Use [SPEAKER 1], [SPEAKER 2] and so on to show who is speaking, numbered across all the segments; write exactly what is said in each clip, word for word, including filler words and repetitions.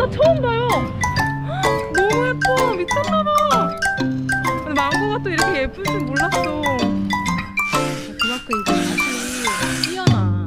[SPEAKER 1] 나 처음 봐요. 너무 예뻐. 미쳤나봐. 근데 망고가 또 이렇게 예쁠 줄 몰랐어. 그만큼 이게 맛이 뛰어나.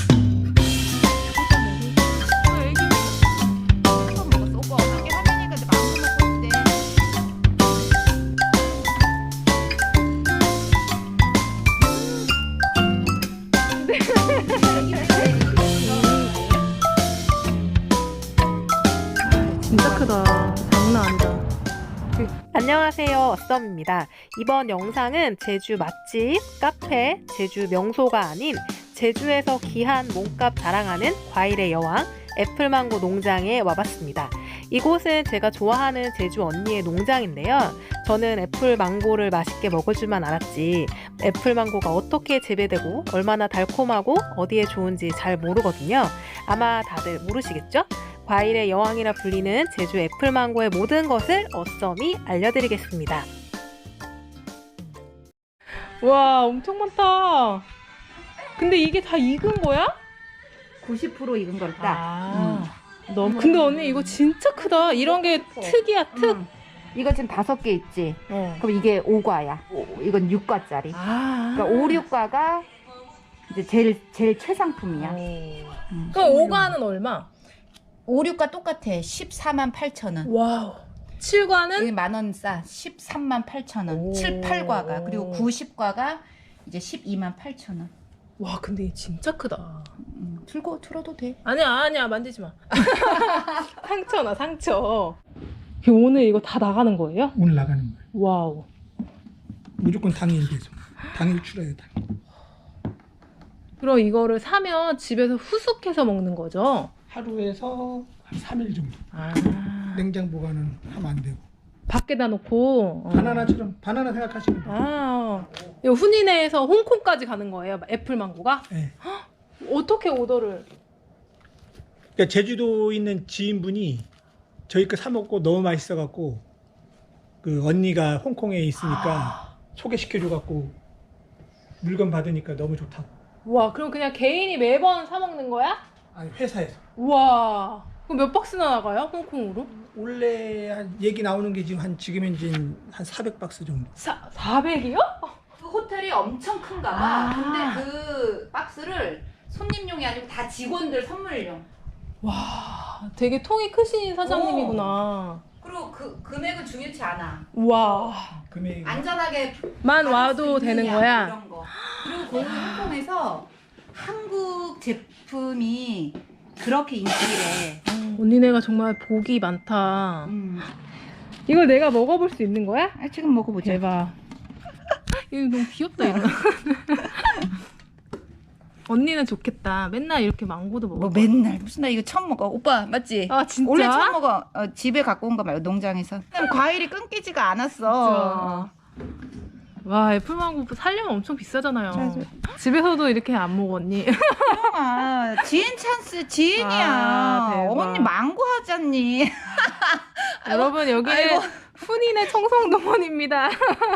[SPEAKER 1] 진짜 크다. 장난 아니다. 안녕하세요, 썸입니다. 이번 영상은 제주 맛집, 카페, 제주 명소가 아닌 제주에서 귀한 몸값 자랑하는 과일의 여왕 애플망고 농장에 와봤습니다. 이곳은 제가 좋아하는 제주 언니의 농장인데요. 저는 애플망고를 맛있게 먹을 줄만 알았지 애플망고가 어떻게 재배되고 얼마나 달콤하고 어디에 좋은지 잘 모르거든요. 아마 다들 모르시겠죠? 과일의 여왕이라 불리는 제주 애플망고의 모든 것을 어썸이 알려드리겠습니다. 와, 엄청 많다. 근데 이게 다 익은 거야?
[SPEAKER 2] 구십 퍼센트 익은 걸 딱.
[SPEAKER 1] 아, 음. 너무. 근데 언니 이거 진짜 크다. 이런 게 특이야, 특.
[SPEAKER 2] 응. 이거 지금 다섯 개 있지?
[SPEAKER 1] 어.
[SPEAKER 2] 그럼 이게 오 과야. 오, 이건 육 과짜리.
[SPEAKER 1] 아.
[SPEAKER 2] 그러니까 오, 육 과가 이제 제일, 제일 최상품이야.
[SPEAKER 1] 응. 그럼 오 과는 얼마?
[SPEAKER 2] 오, 육 과 똑같아. 십사만 팔천 원.
[SPEAKER 1] 와우. 칠 과는?
[SPEAKER 2] 여기 만원 싸. 십삼만 팔천 원.
[SPEAKER 1] 오.
[SPEAKER 2] 칠, 팔 과가. 그리고 구십 과가 이제 십이만 팔천 원.
[SPEAKER 1] 와, 근데 이게 진짜 크다.
[SPEAKER 2] 음, 들고 들어도 돼.
[SPEAKER 1] 아니야, 아니야. 만지지 마. 상처나, 상처. 오늘 이거 다 나가는 거예요?
[SPEAKER 3] 오늘 나가는 거예요.
[SPEAKER 1] 와우.
[SPEAKER 3] 무조건 당일 배송. 당일 출하예요. 당일.
[SPEAKER 1] 그럼 이거를 사면 집에서 후숙해서 먹는 거죠?
[SPEAKER 3] 하루에서 한 삼 일 정도.
[SPEAKER 1] 아.
[SPEAKER 3] 냉장 보관은 하면 안 되고.
[SPEAKER 1] 밖에다 놓고. 어.
[SPEAKER 3] 바나나처럼 바나나 생각하시면 돼요.
[SPEAKER 1] 아. 이 훈이네에서 홍콩까지 가는 거예요? 애플망고가?
[SPEAKER 3] 네.
[SPEAKER 1] 어떻게 오더를?
[SPEAKER 3] 그러니까 제주도에 있는 지인분이 저희 거 사 먹고 너무 맛있어 갖고 그 언니가 홍콩에 있으니까
[SPEAKER 1] 아.
[SPEAKER 3] 소개시켜 줘 갖고 물건 받으니까 너무 좋다고.
[SPEAKER 1] 와, 그럼 그냥 개인이 매번 사 먹는 거야?
[SPEAKER 3] 아니 회사에서.
[SPEAKER 1] 우와. 그럼 몇 박스나 나가요? 홍콩으로?
[SPEAKER 3] 원래 한 얘기 나오는 게 지금 한 지금 현재 한 사백 박스 정도.
[SPEAKER 1] 사, 사백이요?
[SPEAKER 2] 그 호텔이 엄청 큰가 봐.
[SPEAKER 1] 아.
[SPEAKER 2] 근데 그 박스를 손님용이 아니고 다 직원들 선물용.
[SPEAKER 1] 와, 되게 통이 크신 사장님이구나.
[SPEAKER 2] 그리고 그 금액은 중요치 않아.
[SPEAKER 1] 와.
[SPEAKER 3] 금액이
[SPEAKER 2] 안전하게
[SPEAKER 1] 만
[SPEAKER 2] 받을
[SPEAKER 1] 와도
[SPEAKER 2] 수
[SPEAKER 1] 되는
[SPEAKER 2] 있느냐,
[SPEAKER 1] 거야?
[SPEAKER 2] 이런 거. 그리고 거기 홍콩에서 한국 제품이 그렇게 인기래.
[SPEAKER 1] 언니네가 정말 복이 많다.
[SPEAKER 2] 음.
[SPEAKER 1] 이걸 내가 먹어볼 수 있는 거야?
[SPEAKER 2] 아, 지금 먹어보자.
[SPEAKER 1] 대박. 이거 너무 귀엽다, 이거. 언니는 좋겠다. 맨날 이렇게 망고도 먹어.
[SPEAKER 2] 뭐 맨날 무슨 나 이거 처음 먹어. 오빠 맞지?
[SPEAKER 1] 아, 진짜?
[SPEAKER 2] 원래 처음 먹어. 어, 집에 갖고 온 거 말고 농장에서. 과일이 끊기지가 않았어.
[SPEAKER 1] 와, 애플망고 살려면 엄청 비싸잖아요.
[SPEAKER 2] 맞아.
[SPEAKER 1] 집에서도 이렇게 안 먹어, 언니.
[SPEAKER 2] 아, 지인 찬스 지인이야.
[SPEAKER 1] 아, 대박.
[SPEAKER 2] 언니 망고 하잖니.
[SPEAKER 1] 여러분, 여기는
[SPEAKER 2] 아이고.
[SPEAKER 1] 훈이네 청송동원입니다.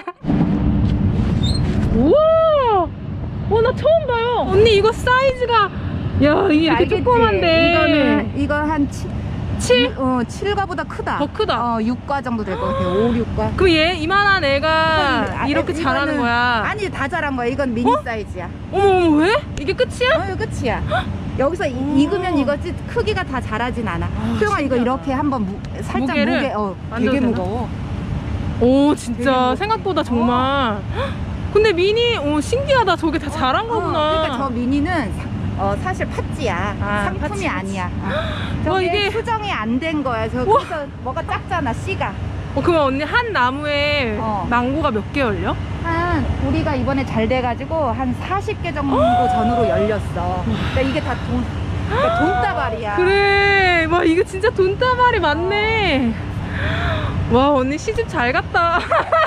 [SPEAKER 1] 우와! 어, 나 처음 봐요. 언니, 이거 사이즈가. 야, 이게 이렇게
[SPEAKER 2] 알겠지?
[SPEAKER 1] 조그만데.
[SPEAKER 2] 이거는 이거 한
[SPEAKER 1] 칠?
[SPEAKER 2] 어, 칠 과보다 크다.
[SPEAKER 1] 더 크다.
[SPEAKER 2] 어, 육 과 정도 될 것 같아. 오, 육 과.
[SPEAKER 1] 그럼 얘 이만한 애가
[SPEAKER 2] 아,
[SPEAKER 1] 이렇게
[SPEAKER 2] 이거는-
[SPEAKER 1] 자라는 거야.
[SPEAKER 2] 아니, 다 자란 거야. 이건 미니
[SPEAKER 1] 어?
[SPEAKER 2] 사이즈야.
[SPEAKER 1] 어머, 어머, 왜? 이게 끝이야?
[SPEAKER 2] 어, 이거 끝이야. 여기서 이- 익으면 이거지 크기가 다 자라진 않아. 소영아, 이거
[SPEAKER 1] 신기하다.
[SPEAKER 2] 이렇게 한번 무, 살짝
[SPEAKER 1] 무게를
[SPEAKER 2] 무게, 어,
[SPEAKER 1] 만져도
[SPEAKER 2] 되게
[SPEAKER 1] 되나?
[SPEAKER 2] 무거워.
[SPEAKER 1] 오,
[SPEAKER 2] 되게
[SPEAKER 1] 진짜
[SPEAKER 2] 무거워.
[SPEAKER 1] 생각보다 정말. 근데 미니, 오, 신기하다. 저게 다 자란
[SPEAKER 2] 어,
[SPEAKER 1] 거구나.
[SPEAKER 2] 그러니까 저 미니는 사, 어, 사실 팥지야.
[SPEAKER 1] 아,
[SPEAKER 2] 상품이
[SPEAKER 1] 팥지, 팥지.
[SPEAKER 2] 아니야. 어.
[SPEAKER 1] 와,
[SPEAKER 2] 저게
[SPEAKER 1] 이게-
[SPEAKER 2] 수정이 안 된 거야. 저 그래서 뭐가 작잖아, 씨가.
[SPEAKER 1] 어, 그럼 언니 한 나무에
[SPEAKER 2] 어.
[SPEAKER 1] 망고가 몇 개 열려?
[SPEAKER 2] 한 우리가 이번에 잘 돼가지고 한 사십 개 정도 전후로 열렸어. 그러니까 이게 다 돈, 그러니까 돈다발이야.
[SPEAKER 1] 그래. 와, 이거 진짜 돈다발이 많네. 와, 언니 시집 잘 갔다.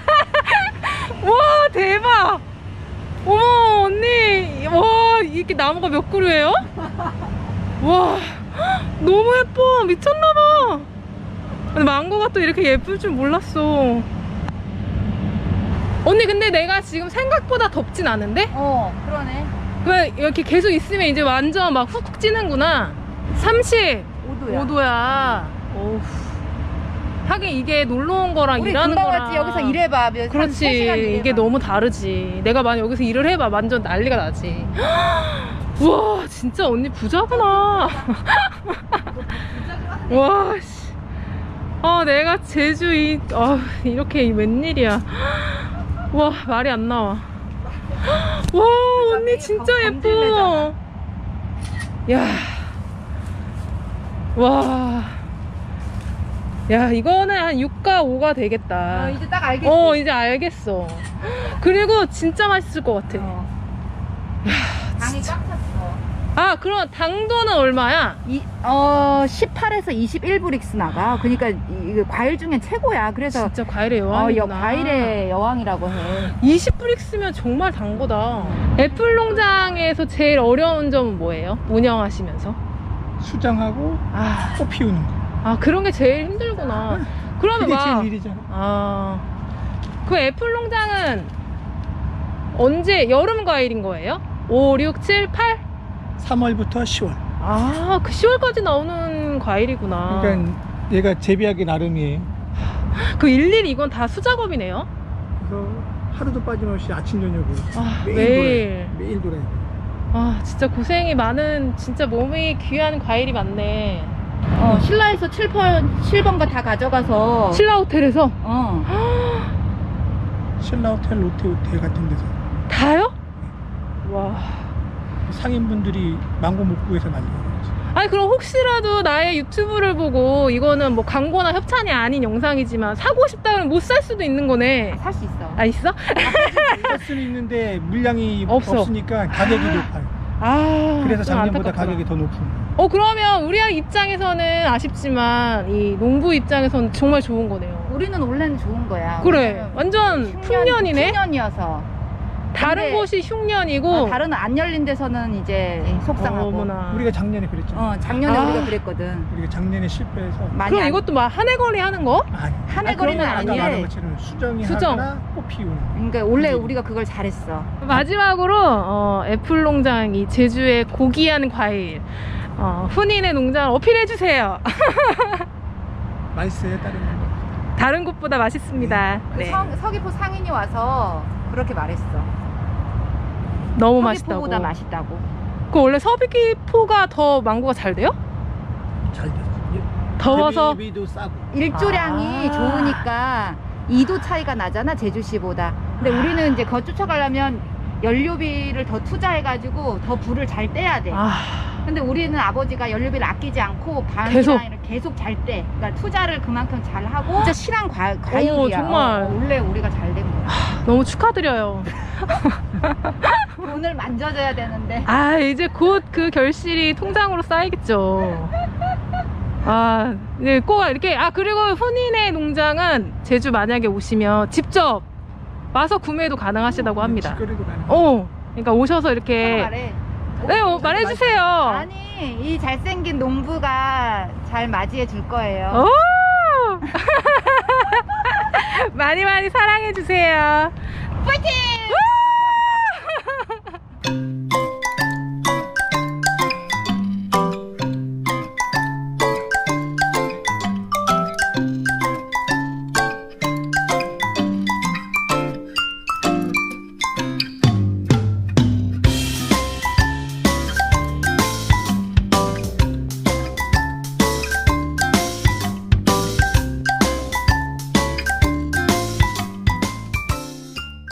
[SPEAKER 1] 와, 대박. 어머, 언니. 와, 이렇게 나무가 몇 그루예요? 와, 너무 예뻐. 미쳤나봐. 근데 망고가 또 이렇게 예쁠 줄 몰랐어. 언니, 근데 내가 지금 생각보다 덥진 않은데?
[SPEAKER 2] 어, 그러네.
[SPEAKER 1] 그냥 이렇게 계속 있으면 이제 완전 막 훅 찌는구나. 삼십오
[SPEAKER 2] 오 도야.
[SPEAKER 1] 도야. 어우. 하긴 이게 놀러 온 거랑
[SPEAKER 2] 우리
[SPEAKER 1] 일하는
[SPEAKER 2] 금방
[SPEAKER 1] 거랑
[SPEAKER 2] 왔지. 여기서 일해봐. 몇- 한
[SPEAKER 1] 그렇지.
[SPEAKER 2] 세 시간 일해봐.
[SPEAKER 1] 이게 너무 다르지. 내가 만약 여기서 일을 해봐 완전 난리가 나지. 우와 진짜 언니 부자구나. 와 씨. 아 내가 제주 이 아, 이렇게 웬일이야. 와 말이 안 나와. 와 언니 진짜 예뻐. 야. 와. 야 이거는 한 육가 오가 되겠다.
[SPEAKER 2] 어, 이제 딱 알겠지.
[SPEAKER 1] 어 이제 알겠어. 그리고 진짜 맛있을 것 같아.
[SPEAKER 2] 어. 당이 꽉 찼어.
[SPEAKER 1] 아 그럼 당도는 얼마야?
[SPEAKER 2] 이, 어, 십팔에서 이십일 브릭스 나가. 그러니까 이, 이 과일 중엔 최고야. 그래서
[SPEAKER 1] 진짜 과일의
[SPEAKER 2] 어,
[SPEAKER 1] 여왕이구나.
[SPEAKER 2] 여, 과일의 여왕이라고 해.
[SPEAKER 1] 이십 브릭스면 정말 단 거다. 애플 농장에서 제일 어려운 점은 뭐예요? 운영하시면서?
[SPEAKER 3] 수정하고
[SPEAKER 1] 아,
[SPEAKER 3] 꽃 피우는 거.
[SPEAKER 1] 아 그런 게 제일 힘들구나. 그러면
[SPEAKER 3] 그게
[SPEAKER 1] 막
[SPEAKER 3] 제일 일이잖아.
[SPEAKER 1] 아, 그 애플 농장은 언제 여름 과일인 거예요? 오, 육, 칠, 팔?
[SPEAKER 3] 삼월부터 시월.
[SPEAKER 1] 아, 그 시월까지 나오는 과일이구나.
[SPEAKER 3] 그러니까 얘가 재배하기 나름이에요.
[SPEAKER 1] 그 일일이 이건 다 수작업이네요.
[SPEAKER 3] 그래서 하루도 빠짐없이 아침 저녁으로
[SPEAKER 1] 아,
[SPEAKER 3] 매일,
[SPEAKER 1] 매일.
[SPEAKER 3] 돌아요. 매일 돌아야 돼.
[SPEAKER 1] 아, 진짜 고생이 많은, 진짜 몸이 귀한 과일이 많네.
[SPEAKER 2] 어, 신라에서 칠 번, 칠 번가 다 가져가서.
[SPEAKER 1] 신라 호텔에서
[SPEAKER 2] 어.
[SPEAKER 3] 신라 호텔, 롯데 호텔 같은 데서
[SPEAKER 1] 다요? 와.
[SPEAKER 3] 상인분들이 망고 못 구해서 난리가 나지.
[SPEAKER 1] 아니 그럼 혹시라도 나의 유튜브를 보고 이거는 뭐 광고나 협찬이 아닌 영상이지만 사고 싶다 그러면 못 살 수도 있는 거네.
[SPEAKER 2] 살 수 있어.
[SPEAKER 1] 아 있어?
[SPEAKER 3] 살 수는 있는데 물량이
[SPEAKER 1] 없어.
[SPEAKER 3] 없으니까 가격이
[SPEAKER 1] 아.
[SPEAKER 3] 높아요.
[SPEAKER 1] 아
[SPEAKER 3] 그래서
[SPEAKER 1] 좀
[SPEAKER 3] 작년보다
[SPEAKER 1] 안타깝구나.
[SPEAKER 3] 가격이 더 높은 거예요.
[SPEAKER 1] 어 그러면 우리 입장에서는 아쉽지만 이 농부 입장에서는 정말 좋은 거네요.
[SPEAKER 2] 우리는 원래는 좋은 거야.
[SPEAKER 1] 그래 완전 풍년이네.
[SPEAKER 2] 풍년이어서.
[SPEAKER 1] 다른
[SPEAKER 2] 근데-
[SPEAKER 1] 곳이 흉년이고
[SPEAKER 2] 어, 다른 안 열린 데서는 이제 속상하고.
[SPEAKER 1] 어머나.
[SPEAKER 3] 우리가 작년에 그랬잖아.
[SPEAKER 2] 어, 작년에
[SPEAKER 1] 아.
[SPEAKER 2] 우리가 그랬거든.
[SPEAKER 3] 우리가 작년에 실패해서
[SPEAKER 2] 많이
[SPEAKER 1] 그럼
[SPEAKER 2] 안-
[SPEAKER 1] 이것도 막 한 해 거리 하는 거?
[SPEAKER 3] 아니.
[SPEAKER 2] 한 해
[SPEAKER 3] 아,
[SPEAKER 2] 거리는
[SPEAKER 3] 그러면 아까
[SPEAKER 2] 아니래.
[SPEAKER 3] 말한 것처럼 수정이
[SPEAKER 1] 수정.
[SPEAKER 3] 하거나 꽃 피우는.
[SPEAKER 2] 그러니까 원래
[SPEAKER 3] 그지?
[SPEAKER 2] 우리가 그걸 잘했어.
[SPEAKER 1] 마지막으로 어, 애플 농장 이 제주의 고귀한 과일 어, 훈인의 농장 어필해 주세요.
[SPEAKER 3] 맛있어요, 다른 거.
[SPEAKER 1] 다른 곳보다 맛있습니다.
[SPEAKER 2] 그
[SPEAKER 1] 네.
[SPEAKER 2] 성, 서귀포 상인이 와서 그렇게 말했어.
[SPEAKER 1] 너무 맛있다고.
[SPEAKER 2] 서귀포보다 맛있다고.
[SPEAKER 1] 그 원래 서귀포가 더 망고가 잘 돼요?
[SPEAKER 3] 잘 됐어.
[SPEAKER 1] 더워서?
[SPEAKER 3] 재배비도 싸고.
[SPEAKER 2] 일조량이
[SPEAKER 1] 아.
[SPEAKER 2] 좋으니까 이 도 차이가 나잖아, 제주시보다. 근데 우리는 이제 그거 쫓아가려면 연료비를 더 투자해가지고 더 불을 잘 떼야 돼.
[SPEAKER 1] 아,
[SPEAKER 2] 근데 우리는 아버지가 연료비를 아끼지 않고
[SPEAKER 1] 계속.
[SPEAKER 2] 방이랑 이렇게 계속 잘 떼. 그러니까 투자를 그만큼 잘 하고 진짜 실한 과, 과일이야.
[SPEAKER 1] 오, 정말.
[SPEAKER 2] 어, 원래 우리가 잘 된 거야.
[SPEAKER 1] 너무 축하드려요.
[SPEAKER 2] 돈을 만져줘야 되는데.
[SPEAKER 1] 아, 이제 곧 그 결실이 통장으로 쌓이겠죠. 아, 네, 꼭 이렇게. 아, 그리고 훈인의 농장은 제주 만약에 오시면 직접 와서 구매도 가능하시다고 합니다.
[SPEAKER 3] 직거래도 가능.
[SPEAKER 1] 어, 그러니까 오셔서 이렇게.
[SPEAKER 2] 말해.
[SPEAKER 1] 네, 어, 말해주세요.
[SPEAKER 2] 아니, 이 잘생긴 농부가 잘 맞이해 줄 거예요.
[SPEAKER 1] 오! 많이 많이 사랑해주세요.
[SPEAKER 2] 파이팅!